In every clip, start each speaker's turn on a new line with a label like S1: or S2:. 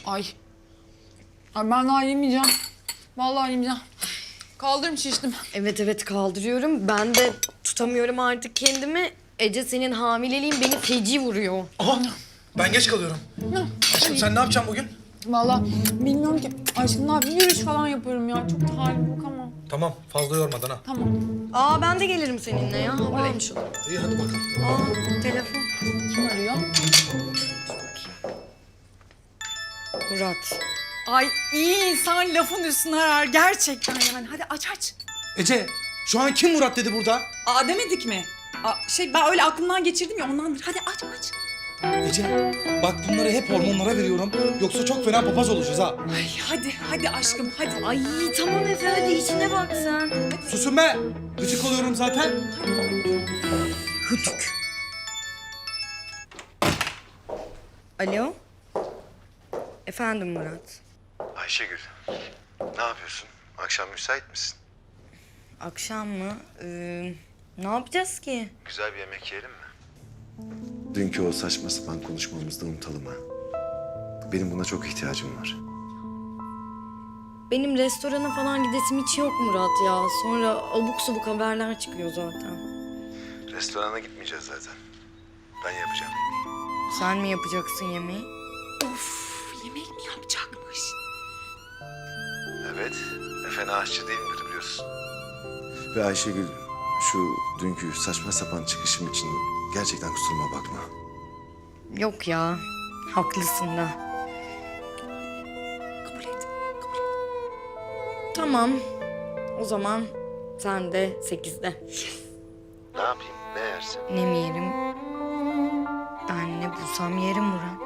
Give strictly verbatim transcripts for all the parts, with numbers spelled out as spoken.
S1: Ay. Ay ben daha yemeyeceğim. Vallahi yemeyeceğim. Kaldırım şiştim.
S2: Evet evet kaldırıyorum. Ben de tutamıyorum artık kendimi. Ece senin hamileliğin beni feci vuruyor.
S3: Aha ben geç kalıyorum. Aşkım sen ne yapacaksın bugün?
S1: Vallahi bilmiyorum ki. Aşkım ne yapayım? Yürüyüş falan yaparım ya. Çok da halim yok ama.
S3: Tamam fazla yormadan ha.
S1: Tamam.
S2: Aa ben de gelirim seninle ya. Hava almış olur.
S3: İyi hadi bakalım.
S2: Aa telefon.
S1: Kim arıyor?
S2: Murat.
S4: Ay iyi insan lafın üstüne arar gerçekten yani. Hadi aç aç.
S3: Ece şu an kim Murat dedi burada?
S4: Aa demedik mi? Aa, şey ben öyle aklımdan geçirdim ya ondandır. Hadi aç aç.
S3: Ece bak bunları hep hormonlara veriyorum. Yoksa çok fena papaz olacağız ha.
S4: Ay hadi hadi aşkım hadi.
S2: Ay tamam Efe hadi içine bak sen.
S3: Susun be. Gıcık oluyorum zaten.
S2: Hütük. Alo. Efendim Murat.
S5: Ayşegül, ne yapıyorsun? Akşam müsait misin?
S2: Akşam mı? Ee, ne yapacağız ki?
S5: Güzel bir yemek yiyelim mi? Dünkü o saçma sapan konuşmamızda unutalım ha. Benim buna çok ihtiyacım var.
S2: Benim restorana falan gidesim hiç yok Murat ya. Sonra abuk subuk haberler çıkıyor zaten.
S5: Restorana gitmeyeceğiz zaten. Ben yapacağım yemeği.
S2: Sen mi yapacaksın yemeği?
S4: Of yemek mi yapacakmış?
S5: Evet, Efe aşçı değilimdir biliyorsun. Ve Ayşegül, şu dünkü saçma sapan çıkışım için gerçekten kusuruma bakma.
S2: Yok ya. Haklısın da.
S4: Kabul et. Kabul et.
S2: Tamam. O zaman sen de sekizde.
S5: Ne yapayım, ne yersin?
S2: Ne mi yerim? Ben ne bulsam yerim Murat.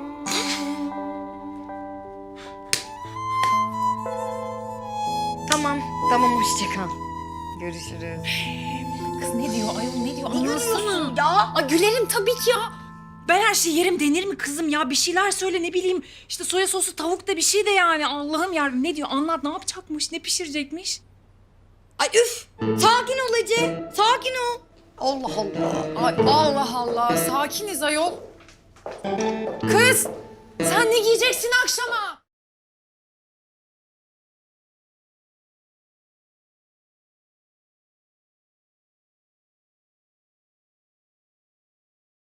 S2: Tamam. Tamam hoşça kal. Görüşürüz.
S4: Kız ne diyor ayol ne diyor?
S2: Anlatsana.
S4: Ya. Ay, gülerim tabii ki ya. Ben her şeyi yerim denir mi kızım ya? Bir şeyler söyle ne bileyim. İşte soya sosu tavuk da bir şey de yani. Allah'ım yarabbim ne diyor? Anlat ne yapacakmış? Ne pişirecekmiş?
S2: Ay üf! Sakin ol Ece. Sakin ol. Allah Allah.
S1: Ay Allah Allah. Sakiniz ayol. Kız. Sen ne giyeceksin akşama?